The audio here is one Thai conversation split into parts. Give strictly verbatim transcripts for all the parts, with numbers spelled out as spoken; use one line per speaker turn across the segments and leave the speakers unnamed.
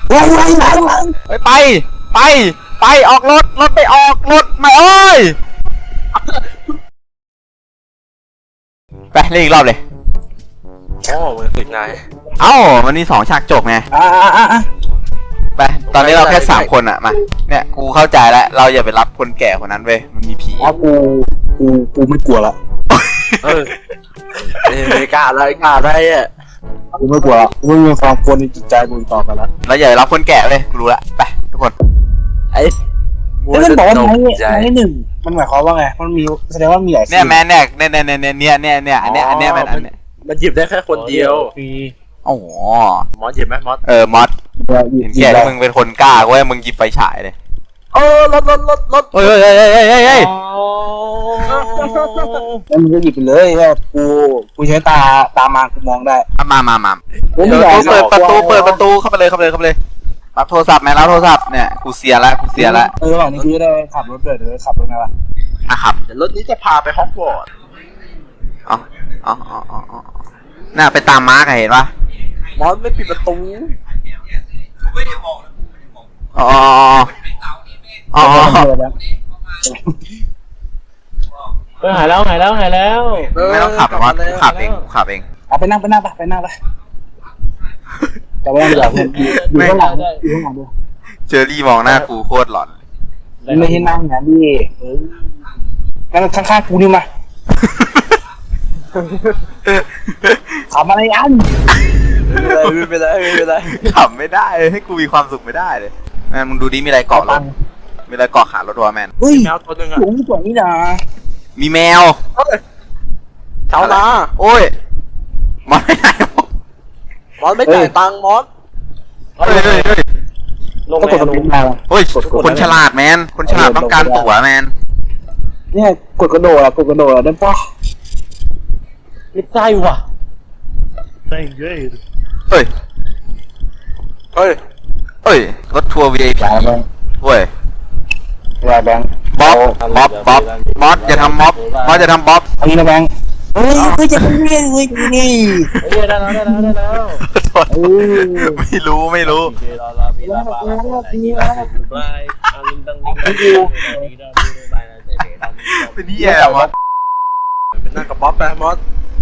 วางวางวางวาง
ไปไปไปไปออกรถรถไปออกรถไม่เอ้ยไปเล่นอีกรอบเลย
โอ้มันติดไง
เอ้ามันมีสองฉากจบไง
อ่าอ่าอ่า
ไปตอนนี้เราแค่สามคนอะมาเนี่ยกูเข้าใจแล้วเราอย่าไปรับคนแก่คนนั้นเว้ยมันมีผี
อ๋อกูกูกูไม่กลัวละ
เออไม่กล้าอะไรกล้าอะไรอ่ะ
กูไม่กลัวกูไม่มีความกลัวในจิตใจกูต่อไปแล้ว
เราอย่าไปรับคนแก่เลยกูรู้ละไปทุกคน
ไอ้
แล้วมันบอกว่าไม้ไม้หนึ่งมันหมายความว่าไงมันมีแสดงว่ามีหลาย
เนี่ยแม่เนี่ยเนี่ยเนี่ยเนี่ยเนี่ยเนี่ยอันเนี้ยอันเนี้ยมันอันเนี้ย
มันหยิบได้แค่คนเดียว
โอ้
มอสหยิบไหมมอส
เออมอสเห็นแก่มึงเป็นคนกล้าเว้ยมึงหยิบไฟฉายเลย
เออรถรถรถรถ
เฮ้ยเฮ้ยเฮ้ยเฮ้ยเฮ้ยเฮ้ย
แล้วมึงก็หยิบไปเลยว่ากูกูใช้ตาตามากูมองได้
มามามาเปิดประตูเปิดประตูเข้าไปเลยเข้าไปเลยเข้าไปเลยรับโทรศัพท์ไหมรับโทรศัพท์เนี่ยกูเสียแล้วกูเสียแล้ว
เออหลังนี้คือได้ขับรถเดินเลยขับรถไงวะ
อ่ะขับ
เดี๋ยวรถนี้จะพาไปฮอกวอตส์
อ๋ออ๋ออ๋ออ๋อน่าไปตามมาร์กเห็นปะ
มอสไม่ปิดประตู
อ๋ออ๋อ
เออหายแล้วหายแล้วหายแล้ว
ไม่ต้องขับมอสขับเองขับเอง
เอาไปนั่งไปนั่งไปไปนั่งไปแต่ว่าอย่าอยู่ข้างหลังอยู่ข้างหลังด้วย
เจอรี่มองหน้ากูโคตรหลอน
ไม่ให้นั่งนะพี่เออนั่งข้างๆกูนี่มาทำอะไรอัน
ไม่เป็นไรไม่เป็นไร
ขับไม่ได้ให้กูมีความสุขไม่ได้เลยแมนมึงดูดิมีอะไรเกาะรถมีอะไรเกาะขารถวะแมน
เฮ้ย
แมวตัวนึงอะ
สูงกว่านี้นะ
มีแมว
เช้านา
โอ้ยมอสไม่ได้
มอสไม่จ่ายตังค์มอส
เฮ้ยเฮ้ยเฮ้ย
ลงกดลงมา
เฮ้ยคนฉลาดแมนคนฉลาดต้องการตั๋วแมน
เนี่ยกดกระโดดอะกดกระโดดได้ปะ
ไม่ใช่ว่ะ
เฮ้ยเฮ้ยเฮ้ยเฮ้ยรถทัวร์ วี ไอ พี เว้ย
แบงค์
บ๊อบบ๊อบบ๊อบมอสอย่าทำม็อบมอสอย่าทำบ๊อบ
อันนี้นะแบงค์เฮ้ยเฮ้ยจะเป็นเรื่องเฮ้ยนี่
เฮ้ยได้แล้วได้แล้วได้แล้ว
ไม่รู้ไม่รู้เป็นนี่แย่มอส
เป็นนั่งกับบ๊อบไปมอส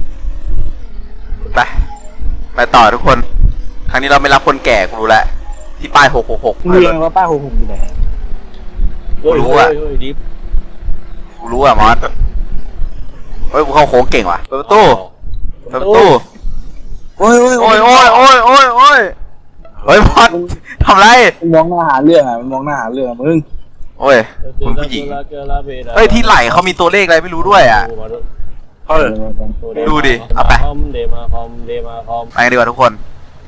ไปไปต่อทุกคนครั้งนี้เราไม่รับคนแก่กูรู้แล้วที่ป้ายหกหกหก
เรียงว่าป้ายหกหกอยู่ไหน
กูรู้อ่ะกูรู้อ่ะมอสเฮ้ยกูเข้าโค้งเก่งว่ะเปิดประตูเปิดประตู
โอ้ยโอ้ย
โอ้ยโอ้ยโอ้ยโอ้ยโอ้ยเฮ้ยมอสทำไร
มองหน้าหาเรื่องอ่ะมองหน้าหาเรื่องมึง
โอ้ยคุณผู้หญิงเฮ้ยที่ไหล่เขามีตัวเลขอะไรไม่รู้ด้วยอ่ะ
เออ
ดูดิเอาไปไปดีกว่าทุกคน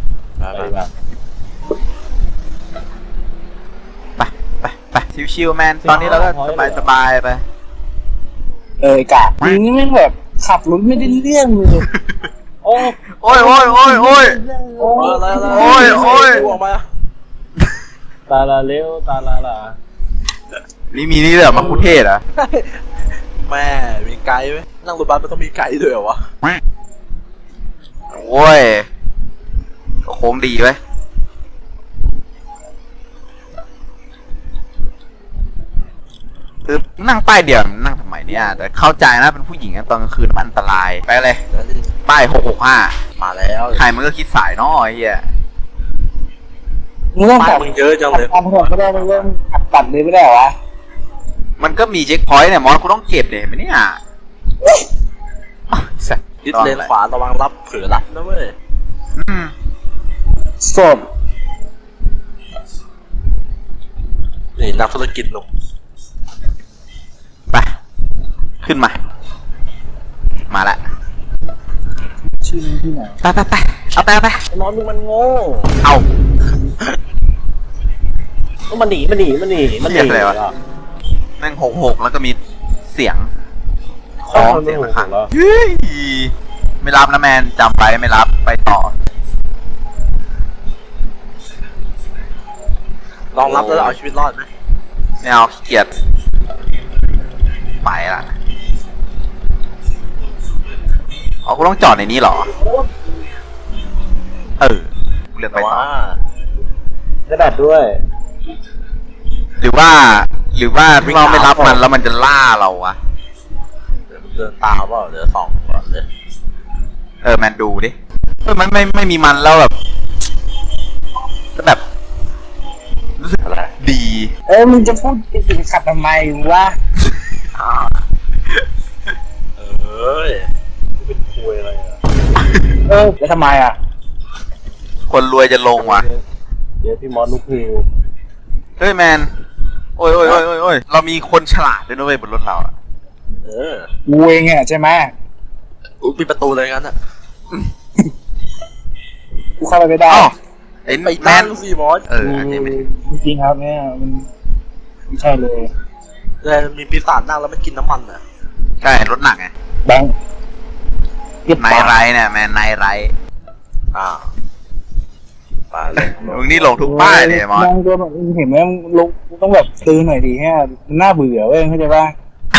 ไปไปไปชิวๆแมนตอนนี้เราก็สบายสบายไป
เออกะนี่แม่งแบบขับรถไม่ได้เรื่องเลย
โอ้
โอ้ยโอ้ยโอ้ยโอ้ย
โอ้ย
โอ้ยโอ้ย
ตาลาเลี้ยวตาลาลา
นี่มีนี่เหรอมาคุเทศอ่ะ
แม่มีไกด์ไหมนั่งรถบัสมันต้องมีไกด์ด้วยเหรอวะ
โอ้ยโค้งดีไหมคือนั่งป้ายเดียวนั่งทำไมเนี่ยแต่เข้าใจนะเป็นผู้หญิงตอนกลางคืนมันอันตรายไปเลยป้ายหกหกห้า
มาแล้ว
ใครมันก็คิดสายน้อยเฮีย
มึงต้อง
ตัดมึงเยอะจังเลย
ทำถนนไม่ได้เรื่องขับตัดเลยไม่ได้หรอวะ
มันก็มีเช็คพอยต์เนี่ยมอสกูต้องเก็บเลยเห็นไหมเนี่ย
ยึดเลนขวาระวังรับเผือรับนะเว้ย
สด
นี่นักธุรกิจหนุ่ม
ไปขึ้นมามาละ
ชื่อที่ไหน
ไปไปไปเอาไปเอาไป
นอนมึงมันโง่
เอา
มันหนีมันหนีมันหนีมันหนี
อะไรวะนั่งหกหกแล้วก็มีเสียงคล้องเสียงข้างเฮ้ยไม่รับนะแมนจำไปไม่รับไปต่อ
ลองรับแล้วเอาชีวิตรอดไหม
ไม่เอาขี้เกียจไปละอ๋อกูต้องจอดในนี้เหรอเออเลือกไปต่อ
ได้แบตด้วย
หรือว่า หรือว่าถ้าเราไม่รับมันแล้วมันจะล่าเราวะ
เดี๋ยวมันเดินตามเปล่าเดี๋ยวสองก่อนเลย
เออแมนดูดิเออมันไม่ไม่มีมันแล้วแบบแบบรู้สึก
อะไร
ดี
เออมึงจะพูดถึงขัดทำไมวะ
อ่าเอ้ย
เป็นคุยอะไรอ่ะ
เออแล้วทำไมอ่ะ
คนรวยจะลงวะ
เดี๋ยวพี่มอสลุกฮิว
เฮ้ยแมนโอ้ยโอ้ยโอ้ยโอ้ยโอ้ยเรามีคนฉลาดด้วยนะเว้ยบนรถเราอะ
เออ
กูเองอ่ะใช่ไหม
อุ้ยปิดประตูเลยงั้นอ่ะ
กูเข้าไปไม่ได้
อ้าวไอ้
ไป
แม
นั่
น
งสิมอส
เอออันนี้ไม่
จริงๆครับเนี่ยมันไม่ใช่เลย
เลยมีปีศาจนั่งแล้วมันกินน้ำมันอ่ะ
ใช่รถหนักไง
แบงค์เรียบ
ไน
ปาก
ไรเนี่ยแมนไนไร
อ่าไปเลย
มึงนี่หลงทุกป้ายเลยมอส
แบงค์ตัวแบบมึงเห็นไหมมึงลุกมึงต้องแบบตื่นหน่อยดิแค่มันน่าเบื่อเว้ยเข้าใจป่ะ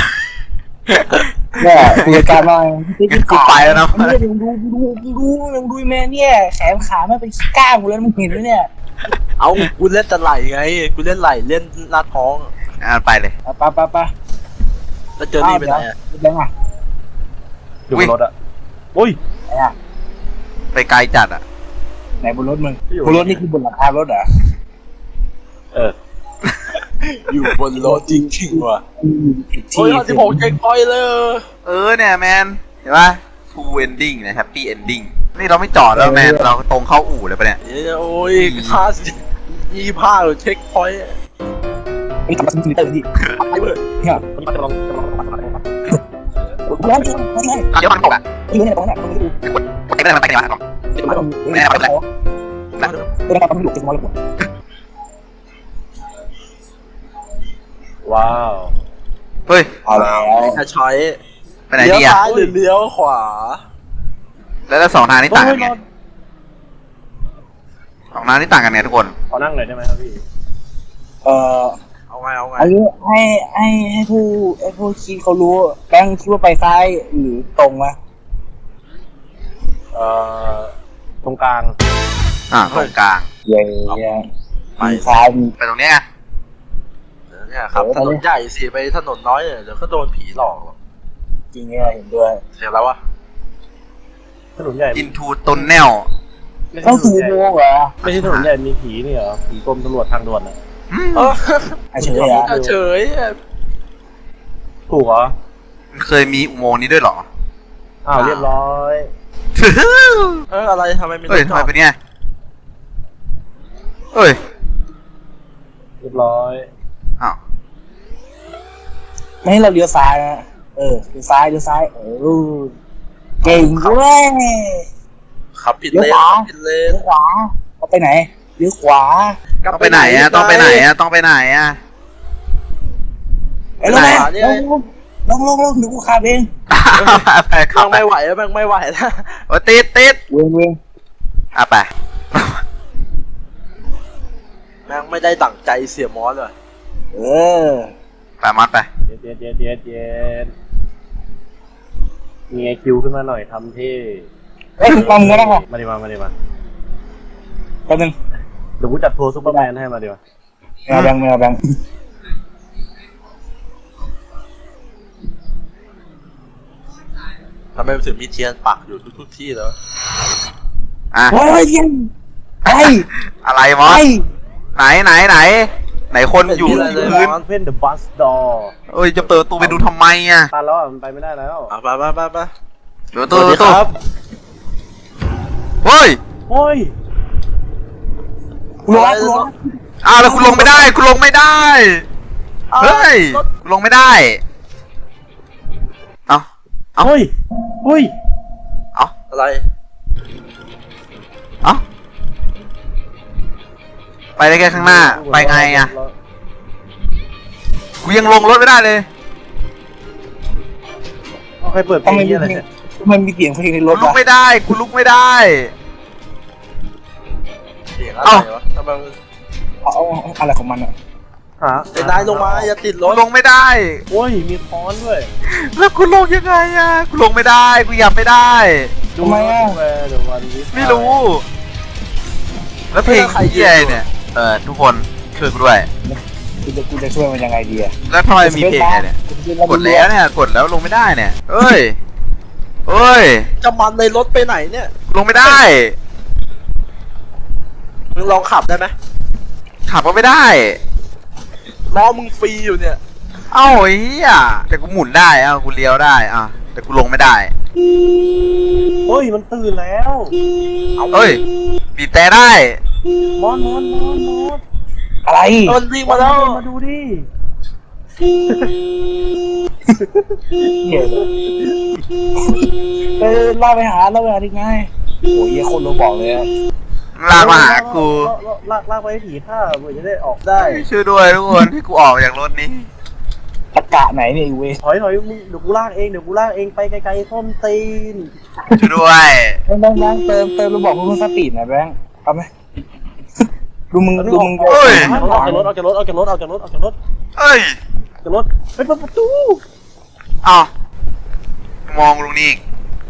เนี่ยคุยกันหน่อย
งั้นกูไปแล้วนะ
เนี่ยมึงดูดูดูดูดูดูแม่เนี่ยแขนขามันเป็นก้างหมดแล้วมึงเห็นไหมเนี่ย
เอากูเล่นแต่ไหลไงกูเล่นไหลเล่นหน้าท้อง
อ่ะไปเลย
ไปไปไป
แล้วเจอนี่ไปไหนอ่ะ
แบงค์อ่ะ
อยู่บนรถอ่ะอุ้ย
ไหนอ่ะ
ไปไกลจัดอ่ะ
ไหนบนรถมึงบนรถนี่คือบนหลังคารถเหรอ
เออ
อยู่บนรถจริงๆว่ะ
ผิด
โอ้
ที่
ยสิบหกเจ็คพอยต์เลย
เออเนี่ยแมนเห็นปะ true ending นะ happy ending นี่เราไม่จอดแล้วแมนเราตรงเข้าอู่เลยปะเนี่ย
โอ้ยค่ายี่ห้าหรือเช็คพอยต์
ไอ้ทำมาเป็นมิเตอร์ดิ
ไอ้เบิร์ด
เนี่ย
วันนี้มาจะลองจะลอง
ร้อนจังร้อนไง
เดี๋ยวมันตกอ่ะ
อยู่เนี่ยตรงนั้นตรงนี้ดู
กดไปได้มันไปกันวะ
ไม่ได้ไม่ได้ไม่ได้ไม่ได้ไม่ได้จะมองเลย
ว้าว
เฮ้ย
เอาแล้ว
จะใช้
ไปไหน
เลี้ยว
ดีอ่ะ
ซ้ายหรือเลี้ยวขวา
แล้วแล้วสองทางนี้ต่างกันไงสองทางนี้ต่างกันไงทุกคน
ขอนั่งหน่อยได้ไหมครับพี่
เอ่อ
เอาไงเอาไง
อันนี้ให้ให้ให้ผู้ให้ผู้คิดเขารู้แบงค์คิดว่าไปซ้ายหรือตรงวะ
เอ่อตรงกลาง
อ่าตรงกลาง
เย่มีซ้ายมี
ไปตรงเนี้ย
เดี๋ยวเนี่ยครับถนนใหญ่สิไปถนนน้อยเนี่ยเดี๋ยวก็โดนผีหลอกหรอก
จริงเนี่ยเห็นด้วย
เสียแล้ววะ
ถนนใหญ่
อินทูตนแนล
ไม่ใช่
ต้อง
ถน
สู
นใหญ่
โมงเหรอ
ไม่ใช่ถนนใหญ่มีผีนี่เหรอผีกรมตำรวจทางด่วนอ่ะ
เออ
ไอ้เฉยอ่ะ
เฉย
ถูกเหรอ
เคยมีอุโมงค์นี้ด้วยเหรอ
อ้าวเรียบร้อย
เอออะไรทำไมมีร
เฮ้ย
ถจ
ทำ
อ
ไม
ด
เป็นเนี้ยเฮ้ย
เรียบร้อย
อ้าว
ไม่ให้เราเลี้ยวซ้ายนะเออเลี้ยวซ้ายเลี้ยวซ้ายเออเก่งเว้ย
ขับผิดเลน
เลี้ยวขวา
ขับผิดเลน
เลี้ยวขวาเอาไปไหนเลี้ยวขวา
ต้องไปไหนอ่ะต้องไปไหนอ่ะต้องไปไหนอ่ะ
ไอ้ลงลงลงลงลงเดี๋ยวกูขับเอง
ไป
แม่
เข้าง ไป
ไม่ไหวแล้วแม่งไม่ไหวแล้ว
โอ้ติดติด
เว้งเว้ง
อ่ะไป
แม่งไม่ได้ดั่งใจเสียมอสเลย
เออ
ไปมอสไป
เย็นเย็นเย็นเย็นเย็นมีไอคิวขึ้นมาหน่อยทำที่
เอ้ยปั๊มก็ได้ป่ะ
มาดิมามาดิมา
แป๊บนึง
เดี๋ยวกูจัดทัวร์ซูเปอร์แมนให้มาดิมา
ไม่เอาแบงค์ไม่เอาแบงค์
ทำไมมันถึงมีเทียนปักอยู่ทุกๆที่แล้ว
อ่ะ
เฮ้ยเย็นไอ้
อะไรมอส
ไอ้
ไหนไหนไหน ไหนคนอยู่
ไม่มีอะไรเลย
พื้น
เพ่นเดอะบัสดอร์
เอ้ยจะเปิดประตูไปดูทำไมอ่ะ
ตันแล้วอ่ะมันไปไม่ได้แล้ว
อ่ะไปไปไปไป
เปิดประ
ส
ตู
วัสดี
ประตู
ครับ
เฮ้ย
โอ้ย
กูรู้แล้วกูรู้แล้ว
อ้าวแล้วคุณลงไม่ได้คุณลงไม่ได้ เฮ้ย
รถ
คุณลงไม่ได้ เอา เอ้า
เฮ้ยเฮ้ย
เอา
อะไร
เอาไปได้แค่ข้างหน้า ไปไงอ่ะกูยังลงรถไม่ได้เลย
เอาใครเปิดเพล
ทำ
ง
ไมมี
นี้อะไร
เพลง
เนี่ย
ทำไมมีเสียงเพลงในร
กู
ถ
ลุก
วะ
ไม่ได้กูลุกไม่ได้
เสียงอะไร
เอ้า
วะทำไมมัน
เอาเอาเอาอะไรของมันอ่ะ
หา
ไอ้นายลงมาอย่าติดร
กู
ถ
ลงไม่ได้
โอ้ยมีค้อนด้วย
แล้วกูลงยังไงอ่ะกูลงไม่ได้กูยับไม่ได้
ดูแวร์เดี๋ยววันนี้
ไม่รู้ แล้วเพลงเหี้ยเนี่ยเออทุกคนช่วยกูด้วย
กูจะกูจะช่วยมันยังไงดีอะ
แล้วทำไมมีเพลงเนี่ยกดแล้วเนี่ยกดแล้วลงไม่ได้เนี่ยเอ้ยเอ้ย
จะมันในรถไปไหนเนี่ย
ลงไม่ได้
มึงลองขับได้ไหม
ขับก็ไม่ได้
ล้อมึงฟรีอยู่เนี่ย
เอ้าไอ้เหี้ยแต่กูหมุนได้เอ้ากูเลี้ยวได้อ่ะแต่กูลงไม่ได้
เฮ้ยมันตื่นแล้ว
เอ้ยบีบแต่ได้
มอนมอนมอนมอน
อะไร
มันวิ่งมาแล้ว
มาดูดิ
เหี้ยเลยเออล่าไปหาล่าไปหาที่ไงโอ้ยเหี้ยคนเราบอกเลยอะ
ลากมาหากู
ลากลากไปให้ผีฆ่าเพื่อจะได้ออกได้
ช่วยด้วยทุกคนที่กูออกจากรถนี้
ตะกะไหนเนี่ยไอ้เว้ย
ถอยถอยมึงเดี๋ยวกูลากเองเดี๋ยวกูลากเองไปไกลๆส้นตีน
ช่วยด้วย
แบงค์แบงค์แบงค์เติมเติมเราบอกมึงสปีดหน่อยแบงค์เอาไหมดูมึงดูมึง
เอ้ย
ออกจากรถออกจากรถออกจากรถออกจากรถออกจากรถ
เอ้ย
ออกจากรถไปเปิดประตู
เอ้ามองลงนี่อีก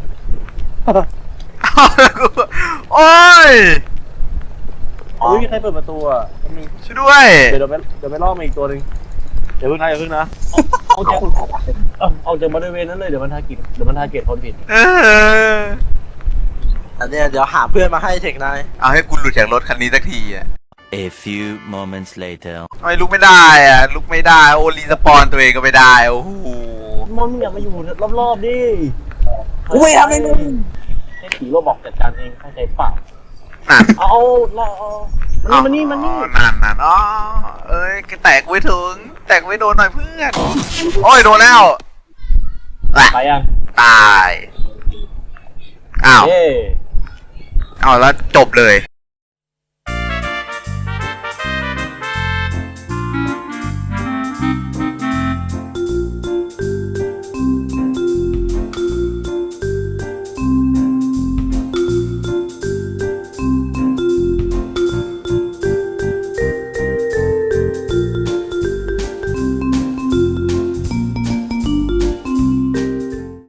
เอ้าแล้วกูโอ้ย
ไม่มีใครเปิดประตูอ่ะ
ช่วยด้วย
เดี๋ยวเดี๋ยวไปเดี๋ยวไปล่อมาอีกตัวหนึ่งเดี๋ยวพึ่งนะเดี๋ยวพึ่งนะเอาจากเอาจากบริเวณนั้นเลยเดี๋ยวมันทาร์เก็ตเดี๋ยวมันทาร์เก็ตคนผิด
เออ
อันเนี้ยเดี๋ยวหาเพื่อนมาให้เทคนาย
เอาให้กูหลุดจากรถคันนี้สักทีอ่ะ
A few moments later.
ทำไมลุกไม่ได้อ่ะลุกไม่ได้โอรีสปอนตัวเองก็ไม่ได้โอ้โห
มอนมึงอยากมาอยู่รอบๆดิ
กูไม่ทำเลยมึง
ให้ผีโรบอกจัดการเองเข้าใจเปล่า
นั่น
เอาเอาเอามันนี่มันนี่มันนี่
อ๋อนั่นนั่นอ๋อเอ้ยแตกไว้ถึง แตกไว้โดนหน่อยเพื่อนโอ้ยโดนแล้วอ่ะ
ไปยัง
ตายอ้าว
เย้
อ้าวแล้วจบเลย